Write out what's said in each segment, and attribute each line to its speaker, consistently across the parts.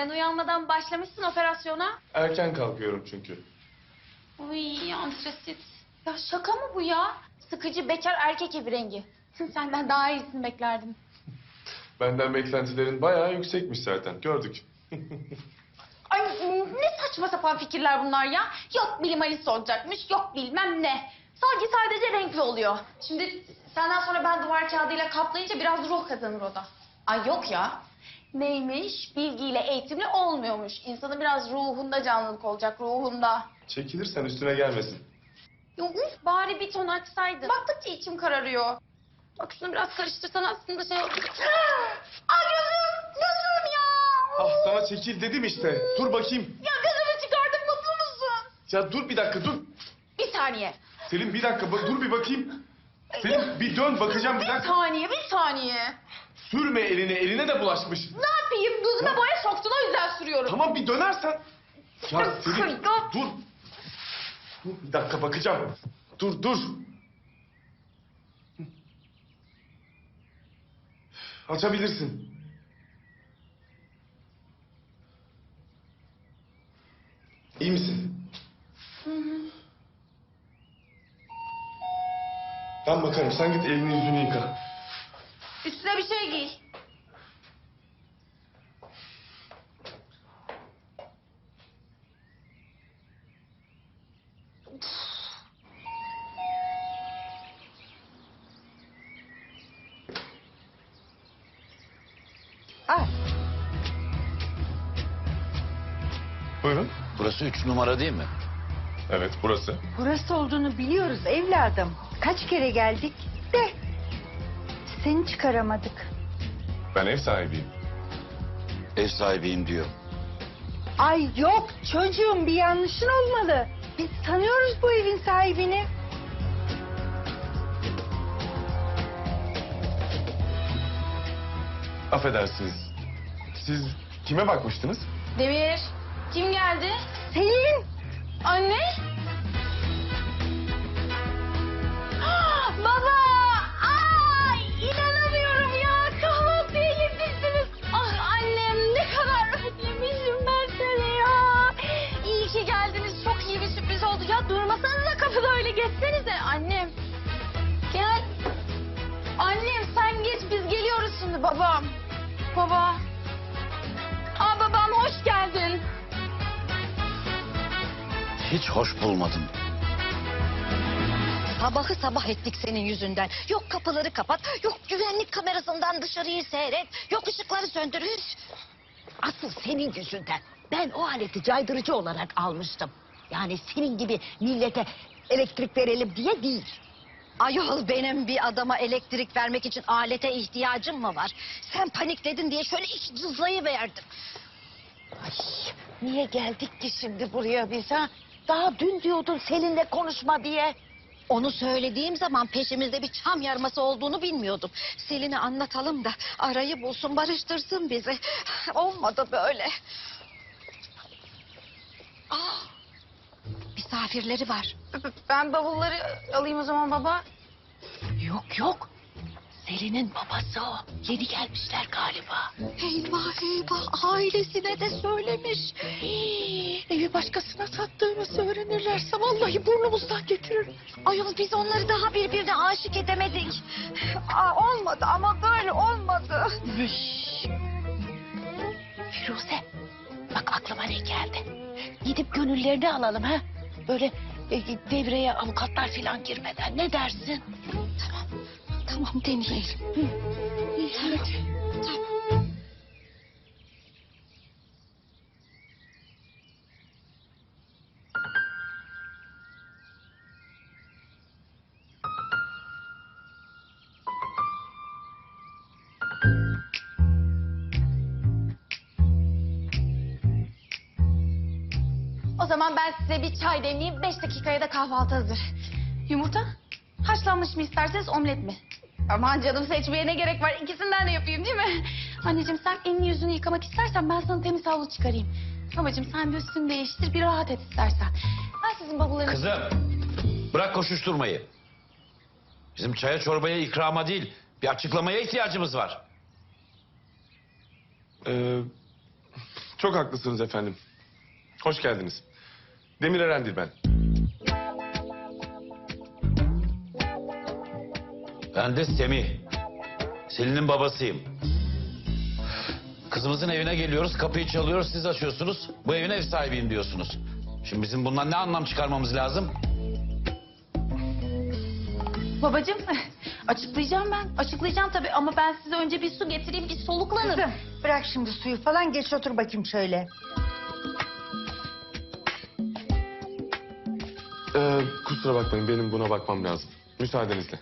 Speaker 1: ben uyanmadan başlamışsın operasyona.
Speaker 2: Erken kalkıyorum çünkü.
Speaker 1: Uy antresit. Ya şaka mı bu ya? Sıkıcı bekar erkek evi rengi. Senden daha iyisini beklerdim.
Speaker 2: Benden beklentilerin bayağı yüksekmiş zaten. Gördük.
Speaker 1: Ay ne saçma sapan fikirler bunlar ya. Yok bilim Alice olacakmış, yok bilmem ne. Sanki sadece renkli oluyor. Şimdi senden sonra ben duvar kağıdıyla kaplayınca biraz ruh kazanır o da. Ay yok ya. Neymiş? Bilgiyle, eğitimle olmuyormuş. İnsanın biraz ruhunda canlılık olacak, ruhunda.
Speaker 2: Çekilirsen üstüne gelmesin.
Speaker 1: Ya uf, bari bir ton açsaydın. Baktıkça içim kararıyor. Bak şunu biraz karıştırsan aslında şey... Ay gözüm ya.
Speaker 2: Ah sana çekil dedim işte. Dur bakayım.
Speaker 1: Ya gözümü çıkardım, mutlu musun?
Speaker 2: Ya dur bir dakika dur.
Speaker 1: Bir saniye.
Speaker 2: Selin bir dakika dur bir bakayım. Selin bir dön bakacağım bir
Speaker 1: Bir
Speaker 2: dakika.
Speaker 1: saniye, bir saniye.
Speaker 2: Sürme eline de bulaşmış.
Speaker 1: Ne yapayım? Gözüme boya soktun, o yüzden sürüyorum.
Speaker 2: Tamam bir dönersen. Ya Selin
Speaker 1: Ya.
Speaker 2: dur. Dur bir dakika bakacağım. Dur. Açabilirsin. İyi misin? Ben bakarım. Sen git elini yüzünü yıka.
Speaker 1: Üstüne bir şey giy.
Speaker 3: Al.
Speaker 2: Buyurun.
Speaker 4: Burası 3 numara değil mi?
Speaker 2: Evet burası.
Speaker 3: Burası olduğunu biliyoruz evladım. Kaç kere geldik de seni çıkaramadık.
Speaker 2: Ben ev sahibiyim.
Speaker 4: Ev sahibiyim diyor.
Speaker 3: Ay yok çocuğum, bir yanlışın olmalı. Biz tanıyoruz bu evin sahibini.
Speaker 2: Affedersiniz. Siz kime bakmıştınız?
Speaker 1: Demir, kim geldi?
Speaker 3: Selin.
Speaker 1: Anne? Baba! Ay inanamıyorum ya. Kahvaltıya yetiştiniz. Ah annem, ne kadar özlemişim ben seni ya. İyi ki geldiniz. Çok iyi bir sürpriz oldu. Ya durmasanıza kapıda, öyle geçsenize. Annem. Gel. Annem sen geç, biz geliyoruz şimdi babam. Baba. Aa babam, hoş geldin.
Speaker 4: Hiç hoş bulmadım.
Speaker 5: Sabahı sabah ettik senin yüzünden. Yok kapıları kapat, yok güvenlik kamerasından dışarıyı seyret, yok ışıkları söndür. Üf! Asıl senin yüzünden. Ben o aleti caydırıcı olarak almıştım. Yani senin gibi millete elektrik verelim diye değil. Ayol, benim bir adama elektrik vermek için alete ihtiyacım mı var? Sen panikledin diye şöyle iç cızlayıverdim. Ay, niye geldik ki şimdi buraya biz ha? Daha dün diyordun Selin'le konuşma diye. Onu söylediğim zaman peşimizde bir çam yarması olduğunu bilmiyordum. Selin'e anlatalım da arayı bulsun, barıştırsın bizi. Olmadı böyle. Ah, misafirleri var.
Speaker 1: Ben bavulları alayım o zaman baba.
Speaker 5: Yok. Selin'in babası o. Yeni gelmişler galiba. Eyvah. Ailesine de söylemiş. Evi başkasına sattığımızı öğrenirlerse vallahi burnumuzdan getirir. Ayol, biz onları daha birbirine aşık edemedik. Olmadı ama böyle olmadı. Firuze, bak aklıma ne geldi. Gidip gönüllerini alalım ha. Böyle devreye avukatlar falan girmeden, ne dersin? Tamam deneyelim. Hadi. Tamam.
Speaker 1: O zaman ben size bir çay demleyeyim. 5 dakikaya da kahvaltı hazır. Yumurta? Haşlanmış mı isterseniz, omlet mi? Aman canım, seçmeye ne gerek var? İkisinden de yapayım değil mi? Anneciğim sen elini yüzünü yıkamak istersen ben sana temiz havlu çıkarayım. Babacığım sen bir üstünü değiştir, bir rahat et istersen. Ben sizin bavullarınızı...
Speaker 4: Kızım, bırak koşuşturmayı. Bizim çaya çorbaya ikrama değil, bir açıklamaya ihtiyacımız var.
Speaker 2: Çok haklısınız efendim. Hoş geldiniz. Demir Eren'dir ben.
Speaker 4: Ben de Semih. Selin'in babasıyım. Kızımızın evine geliyoruz, kapıyı çalıyoruz, siz açıyorsunuz. Bu evin ev sahibiyim diyorsunuz. Şimdi bizim bundan ne anlam çıkarmamız lazım?
Speaker 1: Babacığım açıklayacağım ben. Açıklayacağım tabii ama ben size önce bir su getireyim, bir soluklanın.
Speaker 3: Kızım bırak şimdi suyu falan, geç otur bakayım şöyle.
Speaker 2: Kusura bakmayın, benim buna bakmam lazım. Müsaadenizle.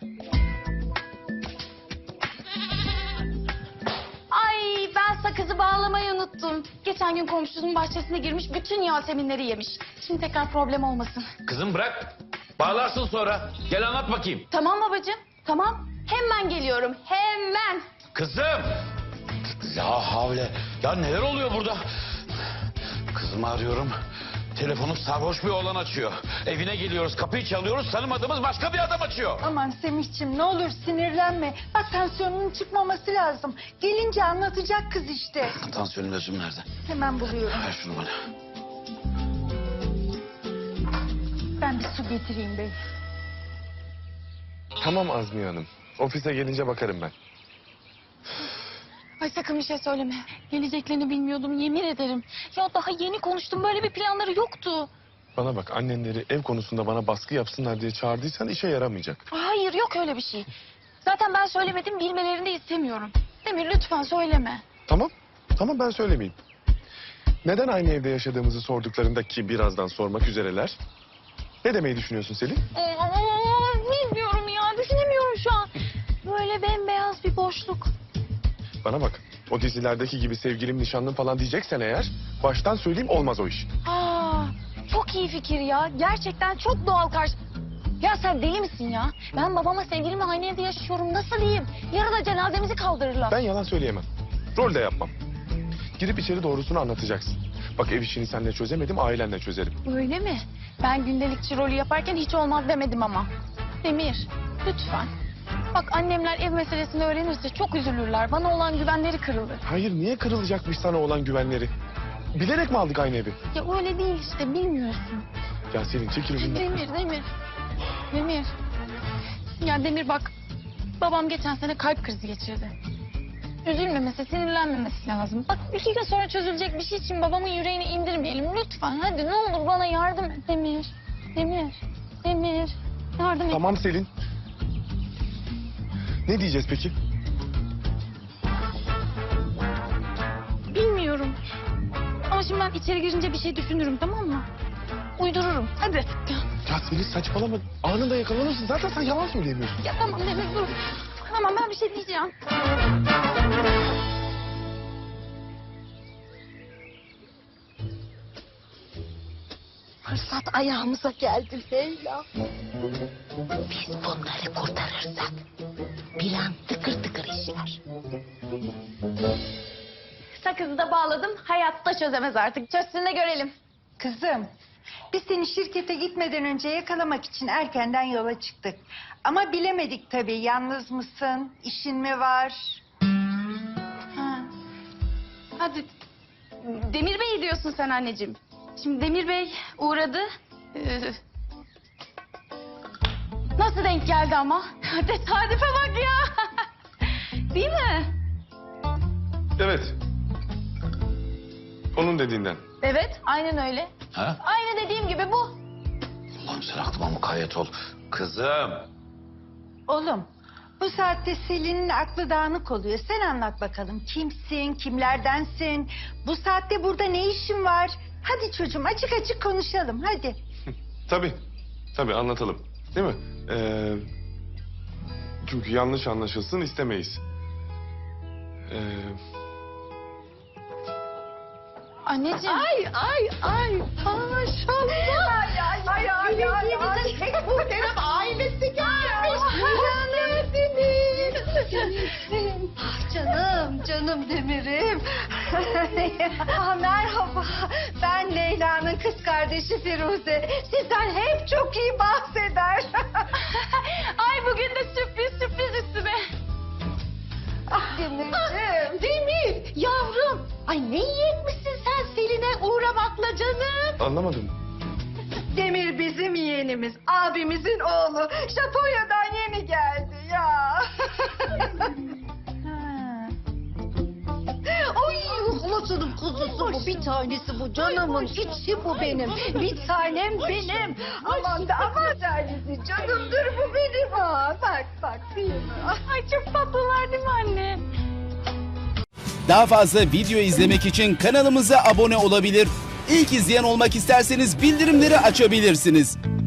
Speaker 1: Ay ben sakızı bağlamayı unuttum. Geçen gün komşunun bahçesine girmiş, bütün yaseminleri yemiş. Şimdi tekrar problem olmasın.
Speaker 4: Kızım bırak. Bağlarsın sonra. Gel anlat bakayım.
Speaker 1: Tamam babacığım, tamam. Hemen geliyorum, hemen.
Speaker 4: Kızım! Ya havle. Ya neler oluyor burada? Kızımı arıyorum. Telefonu sarhoş bir oğlan açıyor. Evine geliyoruz, kapıyı çalıyoruz. Tanımadığımız başka bir adam açıyor.
Speaker 3: Aman Semihciğim ne olur sinirlenme. Bak tansiyonunun çıkmaması lazım. Gelince anlatacak kız işte.
Speaker 4: Tansiyonun ilacım nerede?
Speaker 3: Hemen buluyorum.
Speaker 4: Ver şunu bana.
Speaker 3: Ben bir su getireyim bey.
Speaker 2: Tamam Azmiye Hanım. Ofise gelince bakarım ben.
Speaker 1: Ay sakın bir şey söyleme. Geleceklerini bilmiyordum, yemin ederim. Ya daha yeni konuştum, böyle bir planları yoktu.
Speaker 2: Bana bak, annenleri ev konusunda bana baskı yapsınlar diye çağırdıysan işe yaramayacak.
Speaker 1: Hayır, yok öyle bir şey. Zaten ben söylemedim, bilmelerini de istemiyorum. Demir lütfen söyleme.
Speaker 2: Tamam. Tamam, ben söylemeyeyim. Neden aynı evde yaşadığımızı sorduklarında, ki birazdan sormak üzereler. Ne demeyi düşünüyorsun Selin?
Speaker 1: Bilmiyorum ya, düşünemiyorum şu an. Böyle bembeyaz bir boşluk.
Speaker 2: Bana bak, o dizilerdeki gibi sevgilim, nişanlım falan diyeceksen eğer, baştan söyleyeyim, olmaz o iş.
Speaker 1: Aa, çok iyi fikir ya. Gerçekten çok doğal karşı... Ya sen deli misin ya? Ben babama sevgilimle aynı evde yaşıyorum. Nasıl diyeyim? Yarın da cenazemizi kaldırırlar.
Speaker 2: Ben yalan söyleyemem. Rol de yapmam. Gidip içeri doğrusunu anlatacaksın. Bak, ev işini seninle çözemedim, ailenle çözerim.
Speaker 1: Öyle mi? Ben gündelikçi rolü yaparken hiç olmaz demedim ama. Demir, lütfen. Bak annemler ev meselesini öğrenirse çok üzülürler. Bana olan güvenleri kırılır.
Speaker 2: Hayır, niye kırılacakmış sana olan güvenleri? Bilerek mi aldık aynı evi?
Speaker 1: Ya öyle değil işte, bilmiyorsun.
Speaker 2: Ya Selin, çekil önümden.
Speaker 1: Demir. Demir. Ya Demir bak, babam geçen sene kalp krizi geçirdi. Üzülmemesi, sinirlenmemesi lazım. Bak 2 gün sonra çözülecek bir şey için babamın yüreğini indirmeyelim. Lütfen hadi ne olur bana yardım et Demir. Demir. Yardım et.
Speaker 2: Tamam Selin. Ne diyeceğiz peki?
Speaker 1: Bilmiyorum. Ama şimdi ben içeri girince bir şey düşünürüm, tamam mı? Uydururum. Hadi.
Speaker 2: Ya Selin, saçmalama. Anında yakalanırsın. Zaten sen yalan söyleyemiyorsun.
Speaker 1: Ya tamam Demir dur. Tamam ben bir şey diyeceğim.
Speaker 5: Fırsat ayağımıza geldi Leyla. Biz bunları kurtarırsak bir an tıkır tıkır işler.
Speaker 1: Sakızı da bağladım. Hayatta çözemez artık. Çözsün de görelim.
Speaker 3: Kızım biz seni şirkete gitmeden önce yakalamak için erkenden yola çıktık. Ama bilemedik tabii, yalnız mısın, işin mi var?
Speaker 1: Ha. Hadi. Demir Bey diyorsun sen anneciğim. Şimdi Demir Bey uğradı. Nasıl denk geldi ama? Tesadüfe bak ya. Değil mi?
Speaker 2: Evet. Onun dediğinden.
Speaker 1: Evet, aynen öyle.
Speaker 4: Ha?
Speaker 1: Aynı dediğim gibi bu.
Speaker 4: Allah'ım sen aklıma mukayyet ol. Kızım.
Speaker 3: Oğlum bu saatte Selin'in aklı dağınık oluyor. Sen anlat bakalım, kimsin, kimlerdensin? Bu saatte burada ne işin var? Hadi çocuğum, açık açık konuşalım hadi.
Speaker 2: Tabii anlatalım. Değil mi? Çünkü yanlış anlaşılsın istemeyiz.
Speaker 1: Anneciğim.
Speaker 5: Ay maşallah. Ay. Tek muhterem ailesi gelmiş. Hoş geldiniz. Canım Demir'im.
Speaker 3: Merhaba, ben Leyla'nın kız kardeşi Firuze. Sizden hep çok iyi bahseder.
Speaker 1: Ay bugün de sürpriz üstüme.
Speaker 3: Ah Demirciğim.
Speaker 5: Demir yavrum. Ay ne iyi etmişsin sen
Speaker 1: uğramakla canım.
Speaker 2: Anlamadım.
Speaker 3: Demir bizim yeğenimiz, abimizin oğlu. Japonya'dan yeni geldi ya.
Speaker 5: Ay Hulusi'nin kuzusu bu. Bir tanesi bu. Canımın içi bu benim. Bir tanem benim.
Speaker 3: Aman da aman tanesi canımdır bu benim ha. Bak değil mi?
Speaker 1: Ay çok tatlılar değil mi anne?
Speaker 6: Daha fazla video izlemek için kanalımıza abone olabilir. İlk izleyen olmak isterseniz bildirimleri açabilirsiniz.